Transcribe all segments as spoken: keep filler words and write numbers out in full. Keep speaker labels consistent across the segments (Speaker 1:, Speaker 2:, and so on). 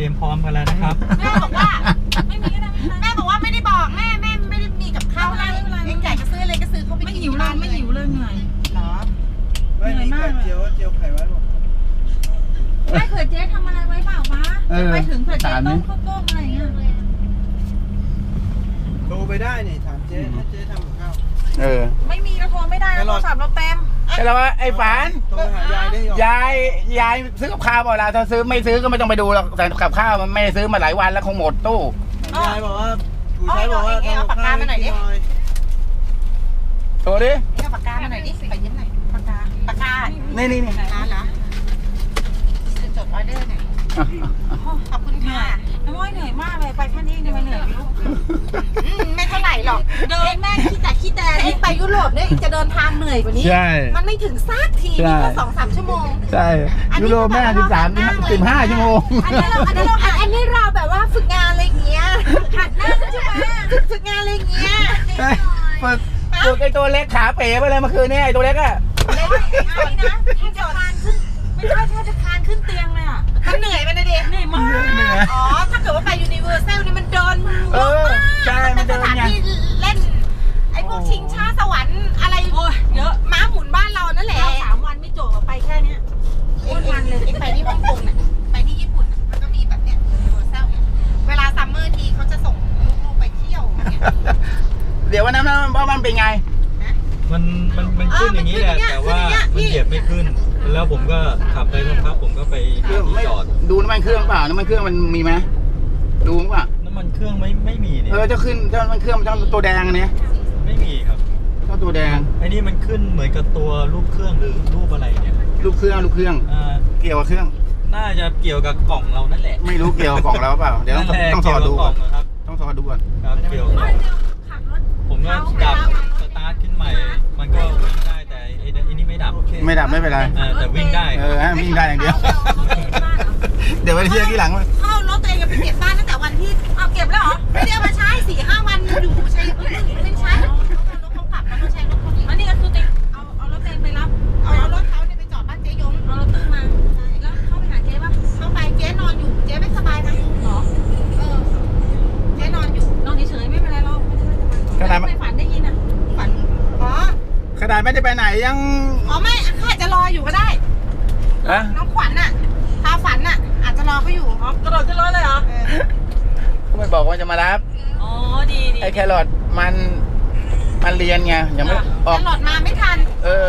Speaker 1: รียมพร้อมกันแล้วนะครับ
Speaker 2: แม่บอกว่าไม่มีก็ได้แม่บอกว่าไม่ได้บอกแม่แม่ไม่ได้มีกับข้าวอะไรเองใหญ่ก็ซื้ออะไรก็ซื้อเขาไปกินที่บ้านไม่หิวเลยเหนื่อยหรอไม่มีไข่เจียวเจียวไข่ไว้บอกแม่เผื่อเจ๊ทำอะไรไว้เปล่าวะไปถึงเผื่อเจ๊ต้มข้าวต้มอะไรเงี้ย
Speaker 3: โทรไปได้นี่ถามเจ๊ถ้าเจ๊ทำกับข้าว
Speaker 4: เออ
Speaker 2: ไม่มีเราโทรไม่ได้โทรศัพท์เราเต็ม
Speaker 4: แต่เราว่าไอ้ฝาน
Speaker 3: โทรหายายได้
Speaker 4: ยายยายซื้อกับข้าวเปล่าล่ะถ้าซื้อไม่ซื้อก็ไม่ต้องไปดูหรอกแต่กับข้าวมันไม่ซื้อมาหลายวันแล้วคงหมดตู้
Speaker 3: ยายบอกว่าผู้ชายบอกว่า
Speaker 2: เอาปากกามาหน่อยดิ
Speaker 4: โทรดิ
Speaker 2: เอาปากกามาหน่อยดิไปยิ้มหน่อยปากกาปากกา
Speaker 4: นี่นี่นี่
Speaker 2: ร้านเหรอจดออเดอร์หน่อยขอบคุณค่ะน้ำอ้อยเหนื่อยมากเลยไปแค่นี้ทำไมเหนื่อยไม่รู้ไม่เท่าไหร่หรอกเดินแม่ขี้แต่ขี้แต่เองไปยุโรปเนี่ยจะเดินทางเหนื่อยกว่านี้มันไม่ถึงสักทีนี่ก็สองสามชั่วโมง
Speaker 4: ใช่ยุโรปแม่สิบสามสิบห้าชั่วโมง
Speaker 2: อันนี้เราอันนี้เราอันนี้เราแบบว่าฝึกงานอะไรเงี้ยหัดนั่งใช่ไหมฝึกงานอะไรเงี้ย
Speaker 4: ฝึกฝึกไอตัวเล็กขาเป๋ไปเลยเมื่อคืนนี้ไอตัวเล็กอะ
Speaker 2: เล็กอะไรนะแทบจะคานขึ้นไม่ใช่แทบจะคานขึ้นเตียงเลยอ่ะมันเหนื่อยไปนะเด็กเหนื่อยมากอ๋อถ้าเกิดว่าไปยูนิเวอร์แซลนี่มันเดิน
Speaker 4: เออใช่มันเดินไง
Speaker 2: เล่นไอ้พวกชิงช้าสวรรค์อะไรเยอะม้าหมุนบ้านเรานั่นแหละสามวันไม่จบไปแค่เนี้ยวันเลยไปที่ฮ่องกงเนี่ยไปที่ญี่ปุ่นมันก็มีแบบเนี้ยยูนิเวอร์แซลเวลาซัมเมอร์ทีเขาจะส่งลูกๆไปเที่ยว
Speaker 4: เดี๋ยววันนั้นว่ามันเป็นไง
Speaker 1: มันมันมันขึ้นอย่างนี้แหละแต่ว่ามันเหยียบไม่ขึ้นแล้วผมก็ขับไปสักพักผมก็ไปที่จอด
Speaker 4: ดูน้ำมันเครื่องเปล่าน้ำมันเครื่องมันมีไหมดูป่ะ
Speaker 1: น้ำมันเครื่องไม่ไม่มีเนี่ย
Speaker 4: เออจะขึ้นถ้ามันเครื่องมันต้องตัวแดงอันนี้
Speaker 1: ไม่มีครับ
Speaker 4: ต้องตัวแดง
Speaker 1: ไอ้นี่มันขึ้นเหมือนกับตัวรูปเครื่องหรือรูปอะไรเนี่ย
Speaker 4: รูปเครื่องรูปเครื่องเกี่ยวกับเครื่อง
Speaker 1: น่าจะเกี่ยวกับกล่องเรานั่นแหละ
Speaker 4: ไม่รู้เกี่ยวกับกล่องเราเปล่าเดี๋ยวต้องต้องสอดดูก่อนต้องสอดดูก่อน
Speaker 1: ครับเกี่ยวผมก็ดับสตาร์ทขึ้นใหม่มันก็วิ่งได้แต่ไอ้นี่ไม่ดับ
Speaker 4: ไม่ดับไม่เป็นไร
Speaker 1: แต่วิ่งได้
Speaker 4: เออวิ่งได้อย่างเดียวเดี๋ยวไปเที่ยวที่หลัง
Speaker 2: เข้ารถตัวเองไปเก็บบ้านตั้งแต่วันที่เอาเก็บแล้วเหรอไม่ได้เอามาใช้สี่ห้าวันอยู่ใช้ไม่ใช้รถเขากลับแล้วก็ใช้รถเขาอีกอันนี้ก็คือเต็มเอาเอารถเต็มไปรับเอารถเขาเนี่ยไปจอดบ้านเจ๊ยงเอารถตู้มาแล้วเข้าไปหาเจ๊ป่ะเข้าไปเจ๊นอนอยู่เจ๊ไม่สบายนะหรอเออเจ๊นอนอยู่นอนเฉยๆไม่เป็นไรหรอกขนาดไม่ฝันได้ยินอ่ะฝันอ๋อ
Speaker 4: ขนาดไม่ได้ไปไหนยัง
Speaker 2: อ๋อไม่อาจจะรออยู่ก็ได้น้องขวัญน่ะพาฝันน่ะอาจจะรอเขาอยู่อ๋อกระโดดขึ้นรถเลยเหรอ
Speaker 4: ก็ไม่บอกว่าจะมารับ
Speaker 2: อ๋อดีดี
Speaker 4: ไอ้แครอทมันมันเรียนไงยังไม่
Speaker 2: ออกแครอทมาไม่ทัน
Speaker 4: เออ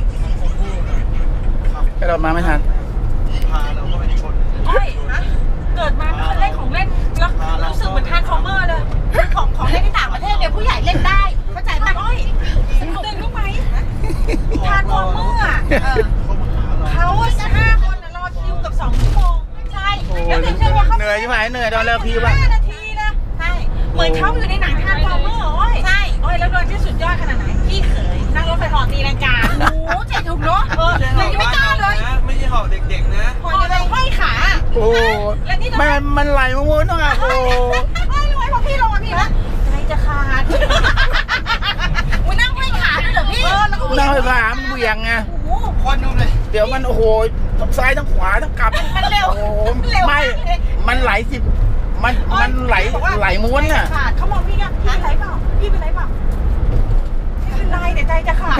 Speaker 4: แครอทมาไม่ทัน
Speaker 3: พาเราก็ไปชน
Speaker 2: โอ้ยเกิดมาเล่นของเล่นแล้วรู้สึกเหมือนทานฟอร์เมอร์เลยของของเล่นที่ต่างประเทศเนี่ยผู้ใหญ่เล่นได้เข้าใจป่ะโอ้ยเดินเข้าไปทานฟอร์เมอร์อ่ะเขาห้าคนรอคิวกับสองชั่วโมงใช่แล้วถึงจะว่าเขา
Speaker 4: เหนื่อยใช่ไหมเหนื่อยตอนเลิกคิวป่ะ
Speaker 2: ห้านาทีนะใช่เหมือนเขาอยู่ในหนังทานฟอร์เมอร์โอ้ยใช่โอ้ยแล้วโดนที่สุดยอดขนาดไหนพี่เขยนั่งรถไฟเหาะตีลังกาโอ้โหเจ๋งถูกเนาะเออเลยยังไม่กล้าเลย
Speaker 3: ไม่ใช่เหาะเด็กๆนะ
Speaker 2: เหาะเลยห้อยขา
Speaker 4: โอ้มันมันไหลมาวนต้องอ่ะโอ้
Speaker 2: ไม่ไหวพอพี่ลงอ่ะพี่นะใจจะขาดอุ้ยนั่งห้อยขาด้วยเหรอพี่
Speaker 4: นั่งห้อยขามันเบี่ยงไง
Speaker 3: ควันดูเลย
Speaker 4: เดี๋ยวมันโอ้โหทั้งซ้ายทั้งขวาทั้งกลับ
Speaker 2: มันเร็ว
Speaker 4: โอ้ไม่มันไหลสิมันมันไหลไหลม้วนอ่ะ
Speaker 2: ขาดเขามองพี่ไงพี่เป็นไรเปล่าพี่เป็นไรเปล่าไม่เป็นไรแต่ใจจะขาด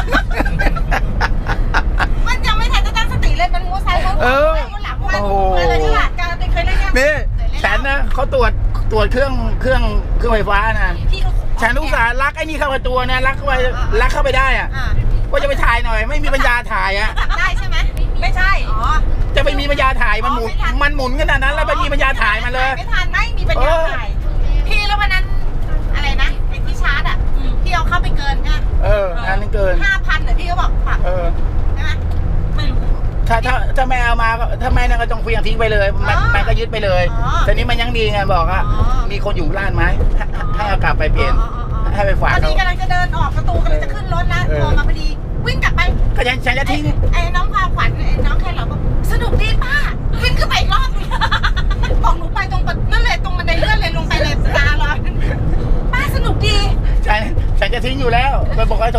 Speaker 2: มันยังไม่ทันจะตั้งสติเลยมันมัวซ้ายมัวขวามัวหลังมัวอะไรฉลาดการเคยเล่นยัง
Speaker 4: นี่ฉันนะเขาตรวจตรวจเครื่องเครื่องเครื่องไฟฟ้านะฉันลูกสาวลักไอ้นี่เข้าไปตัวนะลักเข้าไปลักเข้าไปได้อ่ะก็จะไปถ่ายหน่อยไม่มีปัญญาถ่ายอ่ะ
Speaker 2: ได้ใช่ไหมไม่ใช่อ๋อ
Speaker 4: จะไปมีปัญญาถ่ายมันหมุนมันหมุนขนาดนั้นแล้วไม่มีปัญญาถ่ายมาเลย
Speaker 2: ไม่ทันไม่มีปัญญาถ่ายพี่แล้ววันนั้นอะไรนะไอ้ที่ชาร์จอ่ะพี่เอาเข้าไปเกินใช่ไหม
Speaker 4: เอออันนั้นเกิน
Speaker 2: ห้าพันแต่พี่ก็บอกปรับ
Speaker 4: เออ
Speaker 2: ใช่ไหมไม่รู้
Speaker 4: ถ้าถ้าถ้าแม่เอามาถ้าแม่นั่นก็ต้องเฟี้ยงทิ้งไปเลยมันมันก็ยึดไปเลยแต่นี้มันยังดีไงบอกอ่ะมีคนอยู่ร้านไหมให้เอากลับไปเปลี่ยนให้ไปฝาก
Speaker 2: ตอนนี้กำลังจะเดินออกประตูกำลังจะขึ้นรถแล้วโทรมาพอดีวิ่งกลับไป
Speaker 4: ก็ยังฉันจะทิ้ง
Speaker 2: ไอ้น้องความขวัญไอ้น้องแค่เราบอกสนุกดีป้าวิ่งขึ้นไปอีกรอบบอกหนูไปตรงนั่นเลยตรงบันไดเลื่อนเลยลงไปเลยตาลอยป้าสนุกดี
Speaker 4: ฉันฉันจะทิ้งอยู่แล้วไปบอกให้โทรไปหาก็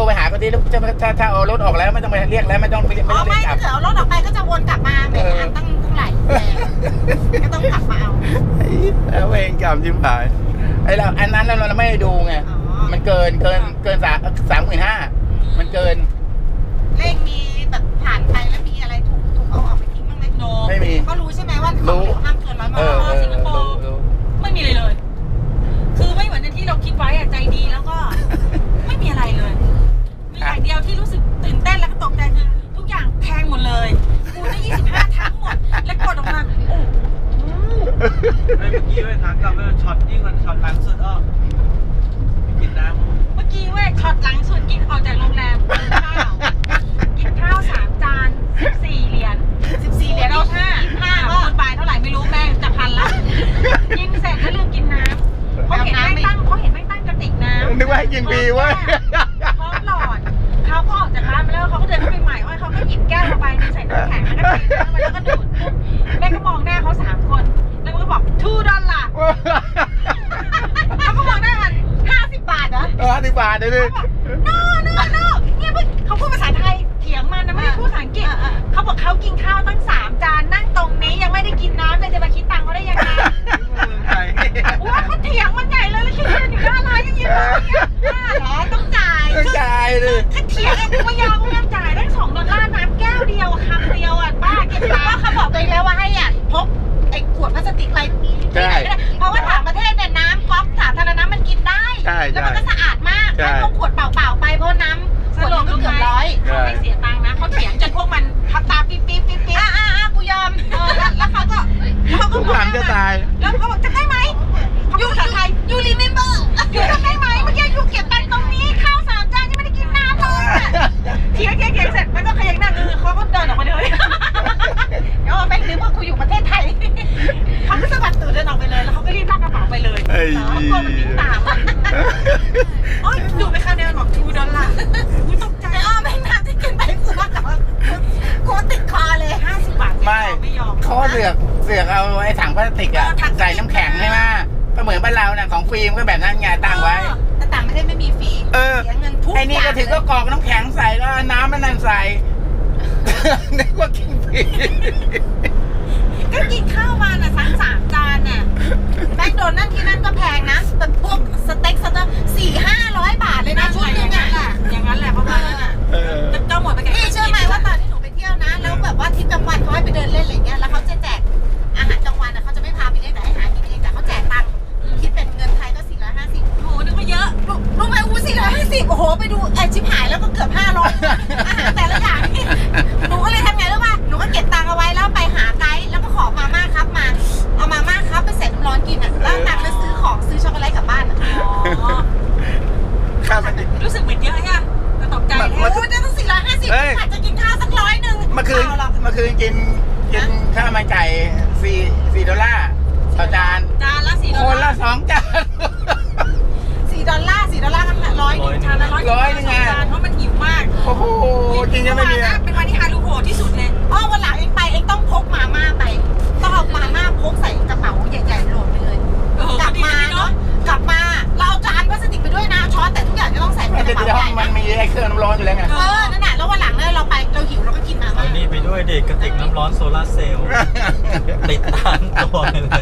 Speaker 4: นี้จะถ้าถ้าเอารถออกแล้วไม่ต้องไปเรียกแล้วไม่ต้องไปเรียก
Speaker 2: อ๋อ
Speaker 4: ไม่
Speaker 2: ไม่
Speaker 4: ต้องเรียกกลับ
Speaker 2: ถ้าเกิดเอารถออกไปก็จะวนกลับมาแหมอันตั้งเท่าไหร่ก็ต้องกลับมาเอา
Speaker 4: แล้วเองกลับจิ้มผายไอ้เราอันนั้นเราเราไม่ได้ดูไงมันเกินเกินเกินสามสามหมื่นห้ามันเกิน
Speaker 2: เลขมีแบบผ่านไปแล้วมีอะไรถูกถูกเอาออกไปทิ้งบ้างไหมโน
Speaker 4: ไม่มี
Speaker 2: เขารู้ใช่ไหมว่าของเหลวห้ามเกินร้อยม
Speaker 4: เออ
Speaker 2: ล
Speaker 4: สิงคโปร์
Speaker 5: ไม่มีเลยเลย คือไม่เหมือนที่เราคิดไว้อะใจดีแล้วก็ ไม่มีอะไรเลย มีอย่างเดียวที่รู้สึกตื่นเต้นแล้วก็ตกใจคือทุกอย่างแพงหมดเลยคูณได้ยี่สิบห้าทั้งหมด และกดออกมาโอ้โห
Speaker 3: เมื่อกี้เว้ยทางกลับเลยช็อตยิ่งกว่าช็อตหลังสุดอ้อไม่กินน้ำ
Speaker 5: เมื่อกี้เว้ยช็อตหลังสุดกินออกจากโรงแรมกินข้าวกินข้าวสามจานสิบสี่เหรียญ
Speaker 2: สิบสี่เหรียญ
Speaker 5: เอา
Speaker 2: เอา
Speaker 5: ห้า
Speaker 2: ห้า
Speaker 5: ห้า
Speaker 2: ก็
Speaker 5: คูณไปเท่าไหร่ไม่รู้แม่งจะพันละกินเสร็จก็ลืมกินน้ำเขาเห็นแม่งตั้งเขาเห็นแม่งตั้งกระติกน้ำ
Speaker 4: นึกว่าให้กินฟรีเว้ย
Speaker 5: พร้อมหลอดเขาก็ออกจากร้านไปแล้วเขาก็เดินเข้าไปใหม่ว่าเขาก็หยิบแก้วมาใบนึงใส่น้ำแข็งแล้วก็เทน้ำไปแล้วก็ดูดปุ๊บแม่ก็มองหน้าเขาสามคนแล้วมันก็บอกทูดอลลาร์เขาก็มองหน้ากันห้าสิบบาทเหรอ
Speaker 4: เออสิบบาทเลยดิ
Speaker 5: โน่โน่โน่เนี่ยเพิ่งเขาพูดภาษาไทยเถียงมันนะไม่ได้พูดภาษาอังกฤษเขาบอกเขากินข้าวตั้งสามจานนั่งตรงนี้ยังไม่ได้กินน้ำเลยจะมาคิดตังค์เขาได้ยังไง
Speaker 3: เมืองไทย
Speaker 5: ว่าเขาเถียงมันใหญ่เลยแล้วคิดยืนอยู่หน้าร้านยังยืนเลยเนี่ยห้าเหรอต้องจ่าย
Speaker 4: ต้องจ่ายเลย
Speaker 5: ถ้าเถียงไอ้กูไม่ยอมกูยอมจ่ายได้สองดอลลาร์น้ำแก้วเดียวคำเดียวอ่ะป้าเก็บตัง
Speaker 2: ว่า
Speaker 5: ค์
Speaker 2: เขาบอกตัวเองแล้วว่าให้อ่ะพกไอ้ขวดพลาสติกอะไรที่ไหนก็ได้เพราะว่าต่างประเทศเนี่ยน้ำก๊อกสาธารณะมันกินได้
Speaker 4: ใช่
Speaker 2: แล้ว
Speaker 4: ใช่
Speaker 2: มันก็สะอาดมาก
Speaker 4: ใช่
Speaker 2: ให้พกขวดเปล่าๆไปเพราะน้ำขวดนึงก็เกือบร้อย
Speaker 5: เขาไม่เสียตังค์นะเขาเถียงจนพวกมันทับตาปิ๊บปิ๊บปิ๊บปิ๊บ
Speaker 2: อ่ะอ่ะอ่ะกูยอมเออแล้วแล้วเขาก็แล้วเขาก็
Speaker 4: ทุก
Speaker 2: บอก
Speaker 4: หลังจะตาย
Speaker 5: แล้วเขาบอกจะได้ไหมเขาพูดภาษาไทย
Speaker 2: ยูรีเมมเบอร์
Speaker 5: อยู่ทำได้ไหมเมื่อกี้อยู่เก็บตังค์ตรงนี้ข้าวสามจานยังไม่ได้กินน้ำเลยอะเถียงเถียงเถียงเสร็จมันก็ขยันหน้าเออเขาก็เดินออกมาเลย
Speaker 2: เดี๋ยวเอาไปนึกว่ากูอยู่ประเทศไทย
Speaker 5: เขาก็สะบัดตูดเดินออกไปเลยแล้วเขาก็รีบลากกระเป๋าไปเลย
Speaker 4: ไอ้
Speaker 5: เขากลัวมันวิ่งตามอะอ๋อดูไปคำเดียวบอกทูดอลลาร์กูตกใจ
Speaker 2: แต่อ้อแม่งน้ำที่กินไปกูว่าแต่ว่ากูติดคอเลย
Speaker 5: ห้าสิบบาท
Speaker 4: ไม่
Speaker 5: ไม่ยอม
Speaker 4: เขาเสือกเสือกเอาไอ้ถังพลาสติกอะใส่น้ำแข็งใช่ไหมก็เหมือนบ้านเราน่ะของฟิล์มก็แบบนั้นไงตั้งไว้
Speaker 2: แต่ต่างประเทศไม่มีฟรี
Speaker 4: เออ
Speaker 2: เสียเงินทุก
Speaker 4: ไอ้นี่ก็ถึงก็กรอกน้ำแข็งใส่แล้วน้ำมันนั่นใส่ นึกว่ากินฟรี
Speaker 2: ก็กินข้าวมาน่ะทั้งสามจานน่ะแมคโดนัลด์ที่นั่นก็แพงนะแต่พวกสเต็กสเต็กสี่ห้าร้อยบาทเลยนะชุดนึงอ่ะ
Speaker 5: อย่างนั้นแหละเพราะว่านั่นอ่ะ
Speaker 4: เออ
Speaker 5: ก็หมดไปกับ
Speaker 2: พี่เชื่อไหมว่าตอนที่หนูไปเที่ยวนะแล้วแบบว่าทริปกลางวันเขาให้ไปเดินเล่นอะไรเงี้ยแล้วเขาจะแจกอาหารกลางวันอ่ะเขาจะไม่พาไปเล่นแต่ให้หากินเองแต่เขาแจกตังค์คิดเป็นเงินไทยก็สี่ร้อยห้าสิบ
Speaker 5: โอ้โหนึกว่าเยอะ
Speaker 2: รู้ไหมอู้สี่ร้อยห้าสิบโอ้โหไปดูไอชิบหายแล้วก็เกือบห้าร้อยอาหารแต่ละอย่างนี่หนูก็เลยทำไงรู้ป่ะหนูก็เก็บตังค์เอาไว้แล้วไปหาไกด์แล้วก็ขอมาม่าครับมาเอามาม่าครับไปใส่น้ำร้อนกินอ่ะแล้วตังค์แล้วซื้อของซื้อช็อกโกแลตกลับบ้านอ่ะ
Speaker 5: อ๋อ
Speaker 4: ข้าวมัน
Speaker 5: รู้สึกเหมือนเยอะใช่ไหมแต่ตกใจ
Speaker 2: โอ้โหจะต้องสี่ร้อยห้าสิบอาจจะกินข้าวสักร้อยหนึ่ง
Speaker 4: เมื่อคืนเมื่อคืนกินกินข้าวมันไก่สี่สี่ดอลลาร์ต่อจาน
Speaker 5: จานละสี่ดอ
Speaker 4: ค
Speaker 5: ล
Speaker 4: น
Speaker 5: ลา
Speaker 4: ละ
Speaker 5: ร์
Speaker 4: สองจาน
Speaker 2: สี่ดอลลาร์สี่ดอลลาร์กันร้อยหนึ่ง
Speaker 5: จานละร้อย
Speaker 4: ร้อยหนึ่งไง
Speaker 5: จานเพราะมันหิวมาก
Speaker 4: โอ้โหกินยังไม่มี
Speaker 5: เมื่อวานนะเป็นวันที่ฮารุโหดที่สุดเลย
Speaker 2: อ๋อวันหลังเองไปเองต้องพกมาม่าไปต้องเอามาม่าพกใส่กระเป๋าใหญ่ๆโหลดไปเลย
Speaker 5: เออก
Speaker 2: ลับ
Speaker 5: ดี
Speaker 2: มา
Speaker 5: เนาะ
Speaker 2: เนาะกลับมาเราเอาจานพลาสติกไปด้วยนะช้อนแต่ทุกอย่างจะต้องใส่ใน
Speaker 4: ไม่
Speaker 2: ก
Speaker 4: ใช่
Speaker 2: ระเป๋า
Speaker 4: ในห้
Speaker 2: ให
Speaker 4: อง
Speaker 2: ญ่
Speaker 4: มัน
Speaker 2: นะ
Speaker 4: มีไอ้เครื่องน้ำร้อนอยู่แล้วไง
Speaker 2: เออนั่นแหละแล้ววันหลังเนี่ยเราไปเราหิวเราก็กินมา
Speaker 1: เอา
Speaker 2: ม่า
Speaker 1: นี่ไปด้วยเด็กกระติกน้ำร้อนโซลาร์เซลล์ติดตามตัวไปเลย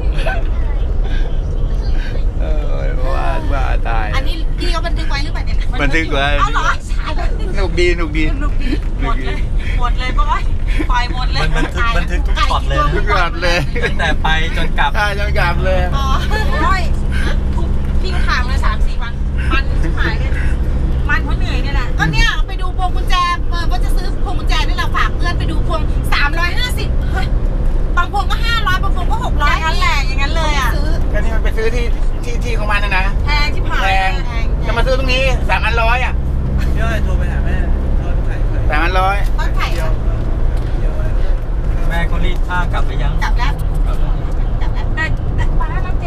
Speaker 4: เออว่าว่าตาย
Speaker 2: อันนี้พี่เขาบันทึกไว้หรือเปล่าเนี่ย
Speaker 4: บันทึกไว้
Speaker 2: เอาเหรอใช่
Speaker 4: สนุกดีสนุกดี
Speaker 5: ลูกดีหมดเลยหมดเลยปะวะไปหมดเลย
Speaker 1: มันบันทึกบันทึกทุกช็อตเลย
Speaker 4: ทุก
Speaker 1: นะ
Speaker 4: ช็อตเลย
Speaker 1: ตั้งแต่ไปจนกลับ
Speaker 4: ถ้าจะกลับเลย
Speaker 2: อ๋อ
Speaker 5: โอ้ยทุกพี่ก็ถามเลยสามสี่วันมันชิบหายเลยมันเพราะเหนื่อยนี่แหละ
Speaker 2: ก็เนี่ยไปดูพวงกุญแจเออว่าจะซื้อพวงกุญแจนี่เราฝากเพื่อนไปดูพวงสามร้อยห้าสิบบางพวงก็ห้าร้อยบางพวงก็หก
Speaker 5: อ
Speaker 2: ร้อย
Speaker 5: ย่างนั้นแหละอย่างนั้นเลยอ่ะ
Speaker 2: ซื้อ
Speaker 4: ก็นี่มันไปซื้อที่ที่ที่ของมันนะนะ
Speaker 5: แพงชิบหาย
Speaker 4: แพง
Speaker 2: แพง
Speaker 4: จะมาซื้อตรงนี้สามอันร้อยอ่ะ